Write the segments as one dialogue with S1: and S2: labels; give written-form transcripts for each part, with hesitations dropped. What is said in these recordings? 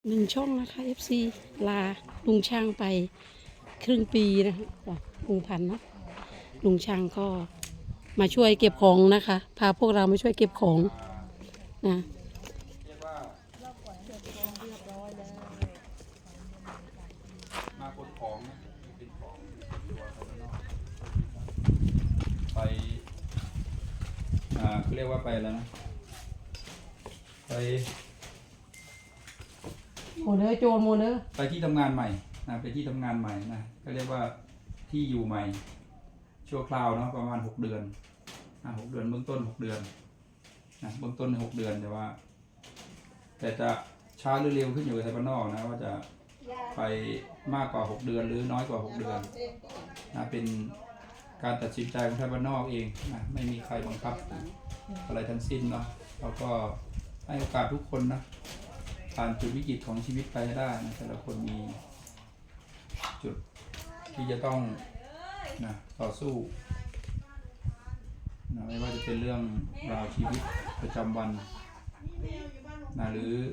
S1: หนึ่งช่องนะคะ FC ลาลุงช่างไปครึ่งปีนะคะลุงพันธุ์เนาะลุงช่างก็มาช่วยเก็บของนะคะพาพวกเรามาช่วยเก็บของนะ
S2: มาขนของนะเป็นของตัวภายนอกไปเขาเรียกว่าไปแล้วนะไป
S1: โมเนอร์โจนโมเนอร์
S2: ไปที่ทำงานใหม่นะไปที่ทำงานใหม่นะก็เรียกว่าที่อยู่ใหม่ชั่วคราวเนาะประมาณ6 เดือน6 เดือนเบื้องต้น6 เดือนนะเบื้องต้น6 เดือนแต่จะช้าหรือเร็วขึ้นอยู่กับไทยบ้านนอกนะว่าจะไปมากกว่า6 เดือนหรือน้อยกว่า6 เดือนนะเป็นการตัดสินใจของไทยบ้านนอกเองนะไม่มีใครบังคับอะไรทั้งสิ้นเนาะเราก็ให้โอกาสทุกคนนะผ่านจุดวิกฤตของชีวิตไปให้ได้นะแต่ละคนมีจุดที่จะต้องนะต่อสู้นะไม่ว่าจะเป็นเรื่องราวชีวิตประจำวันนะหรือ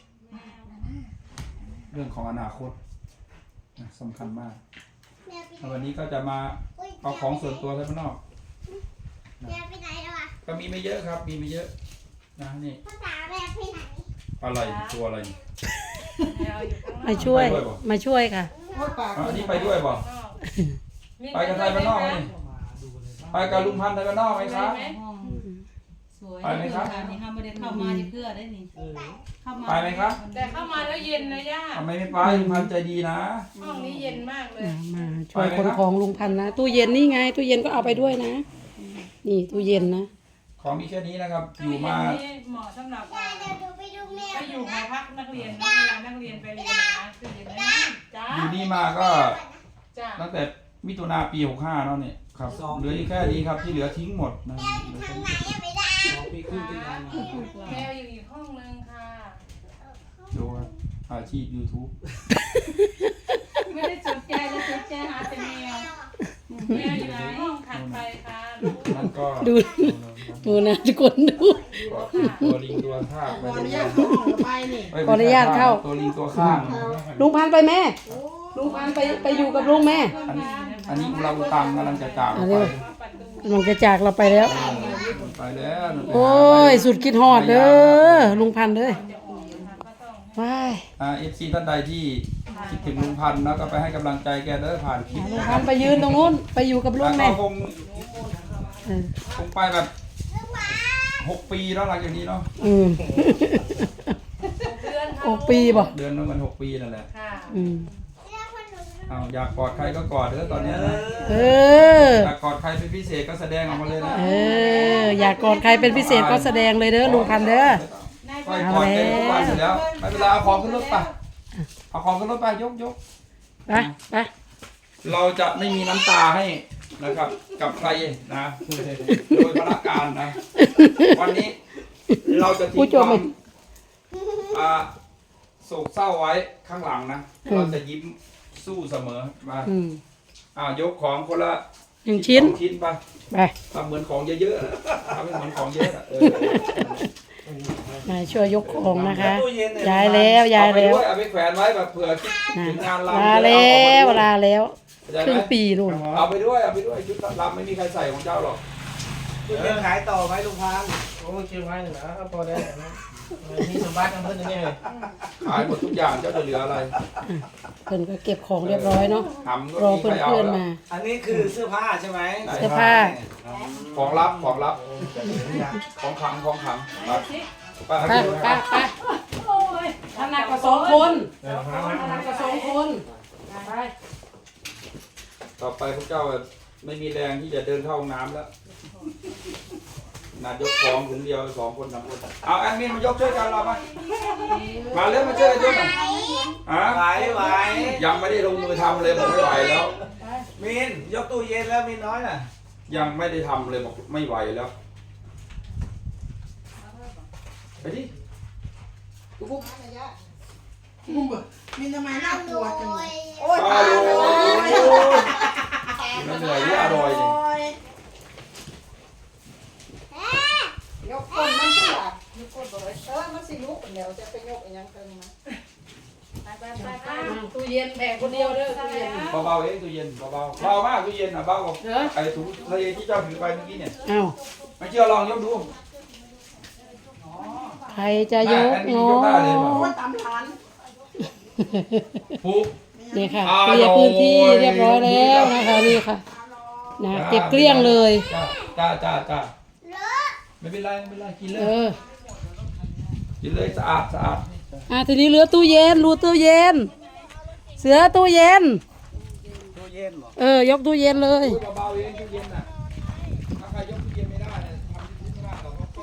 S2: เรื่องของอนาคตนะสำคัญมากวันนี้ก็จะมาเอาของส่วนตัวข้างนอกนะก็มีไม่เยอะครับมีไม่เยอะนะนี่อะไรตัวอะไร
S1: มาช่วยค่ะ
S2: อันนี้ไปด้วยบ่ไปกับไทยบ้านนอกไหมไปกับลุงพันธ์ไทยบ้านนอกไหมครับไปไหมครับ
S3: เข้ามาเพื่อได้นี่
S2: ไปไหมครับ
S3: แต่เข้ามาแล้วเย็นนะย่า
S2: ทำไมไม่ไปลุงพันธ์ใจดีนะ
S3: ห้องนี้เย็นมากเลย
S1: มาช่วยคนของลุงพันธุ์นะตู้เย็นนี่ไงตู้เย็นก็เอาไปด้วยนะนี่ตู้เย็นนะ
S2: ของมีแค่นี้นะครับอยู่มา
S3: เหมาะสำหรับไปอยู่หอพักนักเรียนเวลานักเรียนไปเรียนนะตู้เย็นนะจ้า
S2: อยู่นี่มาก็ตั้งแต่มิถุนาปี65แล้วเนี่ยครับเหลืออยู่แค่นี้ครับที่เหลือทิ้งหมดนะ
S3: ปีครึ่งที่แล้วแมวอยู่อีกห้องนึงค่ะ
S2: ดูอาชีพ YouTube
S3: ไม่ได้สนใจเลยสนใจหาแต่แมวอยู่ในห้องถัดไปค่ะ
S2: นั่นก็
S1: ดูนะทุกคนดู
S2: ตัวลิงตัวข้าง
S1: ขออนุญาตเข้า
S2: ตัวลิงตัวข้าง
S1: ลุงพันธุ์ไปแม่ลุงพันธุ์ไปอยู่กับลุงแม่
S2: อันนี้เราตังกำลังจะจากไป
S1: กำลังจะจากเราไปแล้วโอ้ยสุดคิดฮอดเด้อลุงพันธุ์เลยว้าย
S2: FC ท่านใดที่คิดถึงลุงพันธุ์นะก็ไปให้กำลังใจแกเด้อผ่านคลิป
S1: ลุงพันธุ์ไปยืนตรงนู้นไปอยู่กับลุงแม่
S2: คงไปแบบ6 ปีแล้วหลังจากนี้เนาะ
S1: 6 ปีบ่
S2: เดือนนึงมัน6 ปีนั่นแหละอยากกอดใครก็กอดเด้อตอนนี้นะอยากกอดใครเป็นพิเศษก็แสดงออกมาเลยนะ
S1: อยากกอดใครเป็นพิเศษก็แสดงเลยเด้อลุงพันธุ์เด้อ
S2: ค่อยกอดกันทุกวันเสร็จแล้วไม่เป็นไรเอาของขึ้นรถไปเอาของขึ้นรถไปยก
S1: ไป
S2: เราจะไม่มีน้ำตาให้นะครับกับใครนะโดยพนักงานนะวันนี้เราจะทิ้งความโศกเศร้าไว้ข้างหลังนะเราจะยิ้มสู้เสมอมายกของคนละ
S1: 1 ชิ้น
S2: ไปทำเหมือนของเยอะๆทำให้เหมือนของเยอะ
S1: มาช่วยยกของนะคะย้ายแล้ว
S2: เอาไปแขวนไว้แบบเผื่อถึงงาน
S1: ลาแล้วครึ่งปีนู่น
S2: เอาไปด้วยชุดลำไม่มีใครใส่ของเจ้าหรอก
S4: ขายต่อไหมลุงพันธุ์ผมเก็บไว้หนึ่งนะพอได้มีสมบัติกันเพิ่มนี่
S2: ขายหมดทุกอย่างเจ้าจะเหลืออะไร
S1: เพิ่นก็เก็บของเรียบร้อยเนาะรอเพื่อนมา
S4: อันนี้คือเสื้อผ้าใช่ไหม
S1: เสื้อผ้า
S2: ของลับของขัง
S1: ไปถนัดกว่า2 คนไป
S2: ต่อไปพวกเจ้าไม่มีแรงที่จะเดินเข้าห้องน้ำแล้วยกของถึงเดียว2 คน3 คนเอาแอดมินมายกช่วยกันเรามาเร็วมาช่วยกันยกหน่อย
S4: ไหว
S2: ยังไม่ได้ลงมือทำเลยบอกไม่ไหวแล้ว
S4: มินยกตู้เย็นแล้วมินน้อยน่ะ
S2: ยังไม่ได้ทำเลยบอกไม่ไหวแล้วไปดิ
S4: ปุ๊บมินทำไมน่ากลัวจังโอ้ย
S2: มันเหนื่อยที่อร่อย
S3: ยกก้นมันสิล่ะยกก้นบ่ได้มันสิลุกแล้วจะไปยกอีหยังเพิ่นมา
S1: ตู้เย็นแบกคนเดียวเด้อตู้เย็น
S2: เบาๆเองตู้เย็นเบาๆเบามากตู้เย็นอ่ะเบากว่า
S1: เด้อ
S2: ไอ้ถุงทะเลที่เจ้าถือไปเมื่อกี้เนี่ย
S1: เอ้า
S2: ไม่เชื่อลองยกดู
S1: ใครจะยก
S2: แอดมิน
S1: เนา
S2: ยกได้เลยเปล่า
S1: ะ
S2: ผูก
S1: นี่ค่ะ
S2: อ่า
S1: เคลียร์พื้นที่
S2: โอ้ย
S1: เรียบร้อยแล้วนะคะนี่ค่ะนะเก็บเกลี้ยงเลย
S2: จ้าไม่เป็นไรกินเล
S1: เอย อ
S2: กินเลยสะอาด
S1: ทีนี้เหลือตู้เย็นรูตู้เย็น เสือตู้เย็น
S4: ตู้เย็นเหรอ
S1: ยกตู้เย็นเลย
S2: เบาๆเองตู้เย็นน่ะถ้าใครยกตู้เย็นไม่ได้เนี่ยทำที่ไม่ได้หรอกก็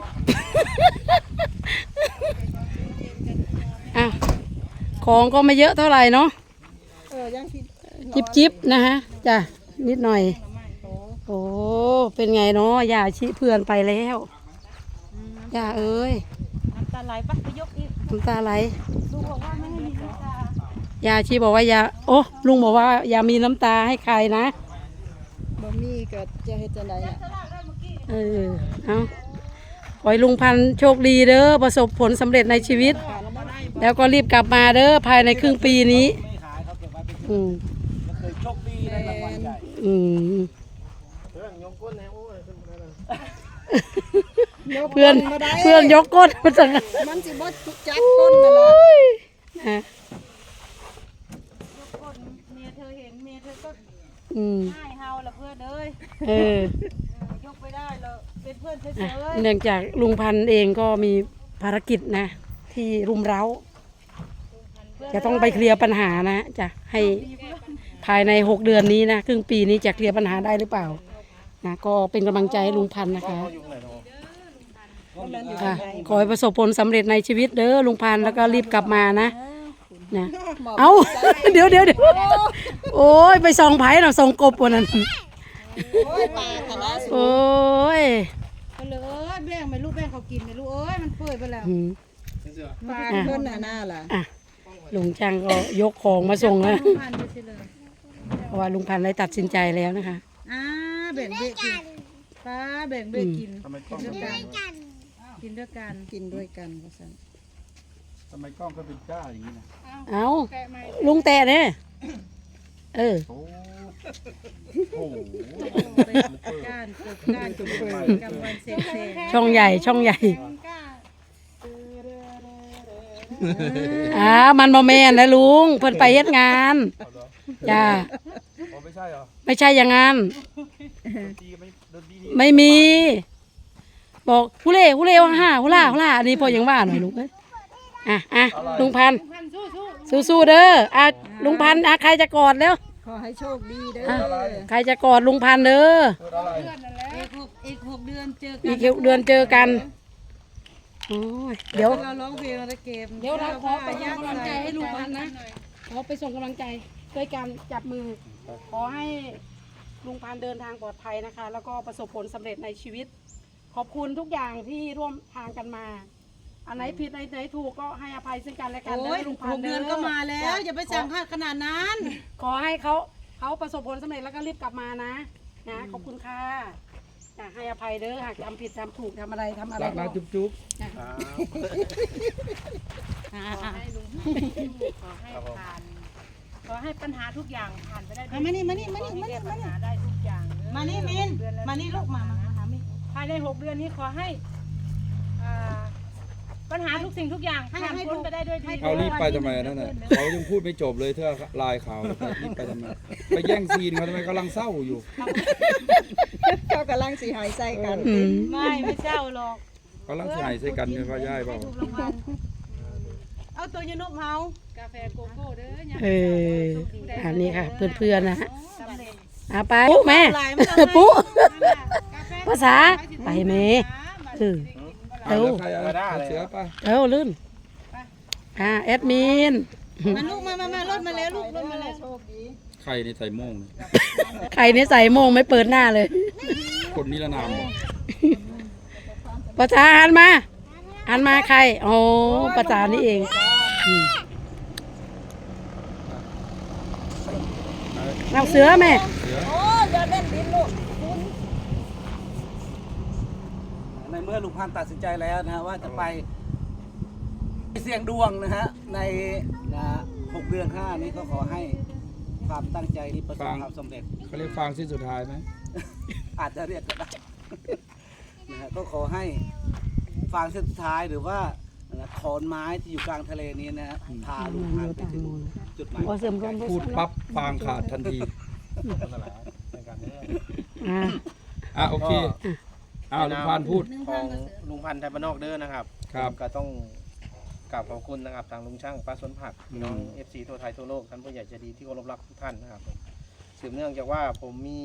S1: อ่ะของก็ไม่เยอะเท่าไหร่เนาะจิบนะฮะจ้ะนิดหน่อยโอ้เป็นไงเนาะย่าชี้เพื่อนไปแล้วย่าเอ้ย
S3: น้ำตาไหลปะไปยกอีก
S1: น้ำตาไหล
S3: ลุงบอกว่าไม่ให้มีน้ำตา
S1: ย่าชี้บอกว่าอย่าโอ้ลุงบอกว่าอย่ามีน้ำตาให้ใครนะ
S5: บ่มีก็จะเฮ็ดจังได๋ล่ะ
S1: เอาขอให้ลุงพันธุ์โชคดีเด้อประสบผลสำเร็จในชีวิต แล้วก็รีบกลับมาเด้อภายในครึ่งปีนี้
S4: ไม่ขายเขาเก็บไว้เป็น
S1: อืม
S4: แล้วเคยโชคดีได้รางวัลใหญ่
S1: อืม
S4: เรื่องยกก้นแนวโอ้ยเป็นอะไร
S1: เพื่อนยกก้นมาจาก
S5: มันสิบ่จักคนนั่นล่ะ
S1: อ่ะ
S3: คนเมียเธอเห็นเมียเธอก็
S1: อืม
S3: ให้เฮาละเพื่อนเอ้ย
S1: เออ
S3: ยกไปได้เราเป็นเพื่อนเฉ
S1: อ่ะ
S3: ย
S1: เนื่องจากลุงพันธุ์เองก็มีภารกิจนะ ที่รุมเร้า จะต้องไปเคลียร์ปัญหานะจะให้ภายใน6 เดือนนี้นะครึ่งปีนี้จะเคลียร์ปัญหาได้หรือเปล่านะก็เป็นกำลังใจให้ลุงพันธุ์นะคะค่ะขอให้ประสบผลสำเร็จในชีวิตเด้อลุงพันธุ์แล้วก็รีบกลับมานะเอา เดี๋ยวโอ้ยไปส่องไผ่เราส่องกบวันนั้น
S5: โอ้ยปลาคณะสุ
S1: โอ้ย
S3: ๆก็เลยแบ่งไปลูกแบ่งเขากินไปลูกเอ้ยมันเปื่อยไปแล้ว
S1: อืม
S5: ปลาเพิ่นน่ะน่าล่ะ
S1: อ่ะลุงช่างก็ยกของมาส่งแล้ว
S3: ผ่านไปเฉยเลย
S1: เพราะว่าลุงพันธุ์ได้ตัดสินใจแล้วนะคะ
S3: แบ่งเบะกินป้าแบ่งเบะกินกินด้วยกันกินด้วยกัน
S5: กินด้วยกันว่าซั่น
S2: ทำไมกล้องก็เป็นจ้าอย่างนี้นะ
S1: เอาลุงแตะเนี่ยเออ
S2: โอ้โห
S3: การปลูกการกินกำวันเสร็จ
S1: ช่องใหญ่มันบ่แม่นนะลุงเพิ่นไปเฮ็ดงานจ้า
S2: อ๋อไม่ใช่เหรอ
S1: ไม่ใช่อย่างนั้น
S2: ตีไม่โดนดี
S1: ไม่มี บอกฮูเล่ว่าฮ่าฮูล่าอันนี้พอยังว่าหน่อยลุงเอ้ยอ่ะลุงพันธุ์สู้ๆเด้อลุงพันธุ์ใครจะกอดแล้ว
S5: ขอให้โชคดีเด้อ
S1: ใครจะกอดลุงพันธุ์เด้อ
S2: เกิดอะไร
S3: อีก6 เดือนเจอกัน
S1: อีกเดือนเจอกันโอ้ยเดี๋ยว
S3: เราร้องเพลงเราเกม
S1: เดี๋ยวเราขอไปส่งกำลังใจให้ลุงพันธุ์นะขอไปส่งกำลังใจด้วยการจับมือ ขอให้ลุงพันธุ์เดินทางปลอดภัยนะคะ แล้วก็ประสบผลสำเร็จในชีวิต ขอบคุณทุกอย่างที่ร่วมทางกันมา อันไหนผิดอันไหนถูกก็ให้อภัยซึ่งกันและกัน
S3: โอ้ย
S1: ลุงพันธุ์
S3: 6 เดือนก็มาแล้ว อย่าไปสั่งขนาดนั้น
S1: ขอให้เขาประสบผลสำเร็จแล้วก็รีบกลับมานะขอบคุณค่ะให้อภัยเด้อหากทำผิดทำถูกทำอะไร
S2: รักนะจุ๊บ
S3: ขอให้ปัญหาทุกอย่างผ่านไปได้
S5: มานี่
S3: ปัญหาได้ทุกอย่างมานี่มินมานี่ลูกมามินภายใน6 เดือนนี้ขอให้ปัญหาทุกสิ่งทุกอย่างผ่านพ้นไปได้ด้วยดี
S2: เขารีบไปทำไมนั่นน่ะเขายังพูดไม่จบเลยเธอลายเขารีบไปทำไมไปแย่งซีนเขาทำไมกำลังเศร้าอยู่
S5: เขากำลังสิหายใจกัน
S3: ไม่เจ้าหรอก
S2: กำลังใส่ใส่กันเป็นว่าย่ายเปล่า
S3: เอาตัวยนุบเฮากาแฟโกโก้เด้อ
S1: อันนี้ค่ะเพื่อนๆนะฮะ
S3: สำเร็จ
S1: ไปปุ๊แม่ปุ๊ภาษาไปเมเร็ว
S2: ใครเสือป่ะ
S1: เร็วลื่นแอดมิน
S3: มาลูกมารถมาแล้วลูกรถมาแล้ว
S2: ใครในใส่โม่ง
S1: ใครนี่ใส่โมงไม่เปิดหน้าเลย
S2: คนนิรนาม
S1: ภาษาหันมาใครโอ้ภาษานี่เองเอาเสือแม่
S5: โอ้ยอย่าเล่นดินลูก
S4: ในเมื่อลุงพันธุ์ตัดสินใจแล้วนะฮะว่าจะไปเสี่ยงดวงนะฮะใน6 เดือน
S6: ดือน 5 นี้ก็ขอให้ความตั้งใจนี้ประสบความสำเร็จ
S2: เขาเรียกฟางสิ้นสุดท้ายไหม
S6: อาจจะเรียกก็ได้ นะฮะก็ขอให้ฟางเส้นสุดท้ายหรือว่าขอนไม้ที่อยู่กลางทะเลนี้นะฮะพาลุงพันธุ์ไปถึงจุดหมาย
S1: โอ้เสริมรวม
S2: พูดปั๊บฟางขาดทันที
S4: นั่นแหละในการนี้
S1: อ่า
S2: อ่ะโอเคลุงพันธุ์พูด
S4: ของลุงพันธุ์ไทยบ้านนอกเด้อนะครับ
S2: ครับ
S4: ผมก็ต้องกราบขอบคุณนะครับทางลุงช่างป้าสวนผักพี่น้อง FC ทั่วไทยทั่วโลกท่านผู้ใหญ่ใจดีที่เคารพรักทุกท่านนะครับสืบเนื่องจากว่าผมมี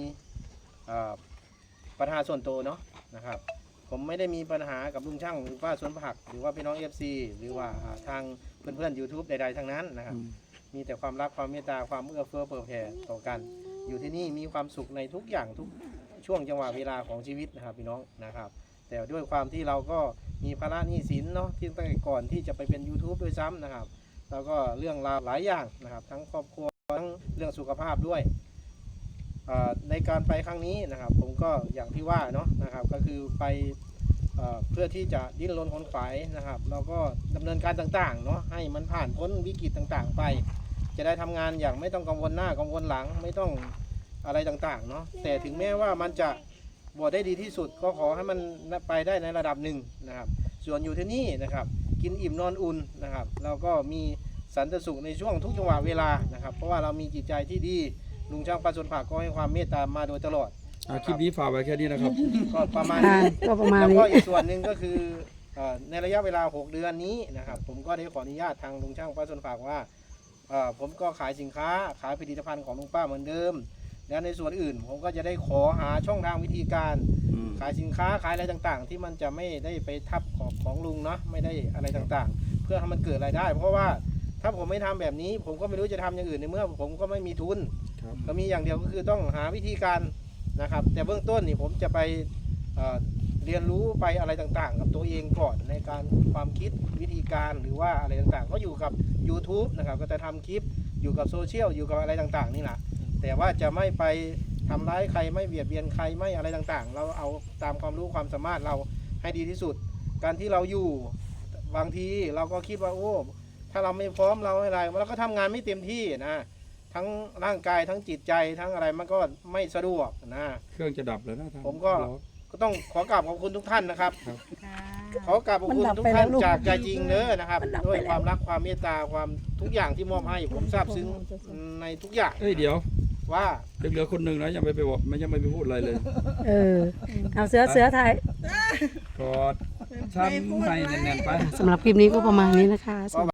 S4: ปัญหาส่วนตัวเนาะนะครับ ผมไม่ได้มีปัญหากับลุงช่างหรือป้าสวนผักหรือว่าพี่น้อง FC หรือว่าทางเพื่อนๆ YouTube ใดๆทั้งนั้นนะครับ มีแต่ความรักความเมตตาความเอื้อเฟื้อเผื่อแผ่ต่อกัน อยู่ที่นี่มีความสุขในทุกอย่างทุกช่วงจังหวะเวลาของชีวิตนะครับพี่น้องนะครับ แต่ด้วยความที่เราก็มีภาระหนี้สินเนาะที่ตั้งแต่ก่อนที่จะไปเป็น YouTube ด้วยซ้ำนะครับแล้วก็เรื่องราวหลายอย่างนะครับทั้งครอบครัวทั้งเรื่องสุขภาพด้วยในการไปครั้งนี้นะครับ ผมก็อย่างที่ว่าเนาะนะครับก็คือไปเพื่อที่จะดิ้นรนขนขวายนะครับแล้วก็ดำเนินการต่างๆเนาะให้มันผ่านพ้นวิกฤตต่างๆไปจะได้ทำงานอย่างไม่ต้องกังวลหน้ากังวลหลังไม่ต้องอะไรต่างๆเนาะแต่ถึงแม้ว่ามันจะบวชได้ดีที่สุดก็ขอให้มันไปได้ในระดับหนึ่งนะครับส่วนอยู่ที่นี่นะครับกินอิ่มนอนอุ่นนะครับแล้วก็มีสันติสุขในช่วงทุกจังหวะเวลานะครับเพราะว่าเรามีจิตใจที่ดีลุงช่างป้าสวนผักก็ให้ความเมตตามาโดยตลอด
S2: คลิปนี้ฝากไว้แค่นี้นะครับ
S4: ก็ประมาณ
S1: อ่า
S4: นี้
S1: ก็ประมาณ
S4: แล้ว
S1: นี้
S4: ก็อีกส่วนหนึ่งก็คือในระยะเวลา 6 เดือนนี้นะครับผมก็ได้ขออนุญาตทางลุงช่างป้าสวนผักว่าผมก็ขายสินค้าขายผลิตภัณฑ์ของลุงป้าเหมือนเดิมและในส่วนอื่นผมก็จะได้ขอหาช่องทางวิธีการขายสินค้าขายอะไรต่างๆ ที่มันจะไม่ได้ไปทับของลุงเนาะไม่ได้อะไรต่างๆ เพื่อให้มันเกิดรายได้ เพราะว่าถ้าผมไม่ทำแบบนี้ผมก็ไม่รู้จะทำอย่างอื่นในเมื่อผมก็ไม่มีทุน
S2: ครับ
S4: ก็มีอย่างเดียวก็คือต้องหาวิธีการนะครับแต่เบื้องต้นนี่ผมจะไปเรียนรู้ไปอะไรต่างๆ กับตัวเองก่อนในการความคิดวิธีการหรือว่าอะไรต่างๆ ก็อยู่กับ YouTube นะครับก็จะทำคลิปอยู่กับโซเชียลอยู่กับอะไรต่างๆนี่แหละแต่ว่าจะไม่ไปทำร้ายใครไม่เบียดเบียนใครไม่อะไรต่างๆ เราเอาตามความรู้ความสามารถเราให้ดีที่สุด การที่เราอยู่บางทีเราก็คิดว่าโอ้ถ้าเราไม่พร้อมเราอะไรเราก็ทำงานไม่เต็มที่นะทั้งร่างกายทั้งจิตใจทั้งอะไรมันก็ไม่สะดวกนะ
S2: เครื่องจะดับแล้วนะทาง
S4: ผมก็
S2: เรา
S4: ต้องขอกราบขอบคุณทุกท่านนะครับ
S2: ครับ
S4: ขอกราบขอบคุณทุกท่านจากใจจริงเด้อนะครับด้วยความรักความเมตตาความทุกอย่างที่มอบให้ผมซาบซึ้งในทุกอย่าง
S2: เอ้ยเดี๋ยว
S4: ว่า
S2: เหลือคนหนึ่งนะยังไม่ไปบอกยังไม่ไปพูดอะไรเลย
S1: เออเอาเสือไทย
S2: กอดช้ำในแน่นๆไป
S1: สำหรับคลิปนี้ก็ประมาณนี้นะคะ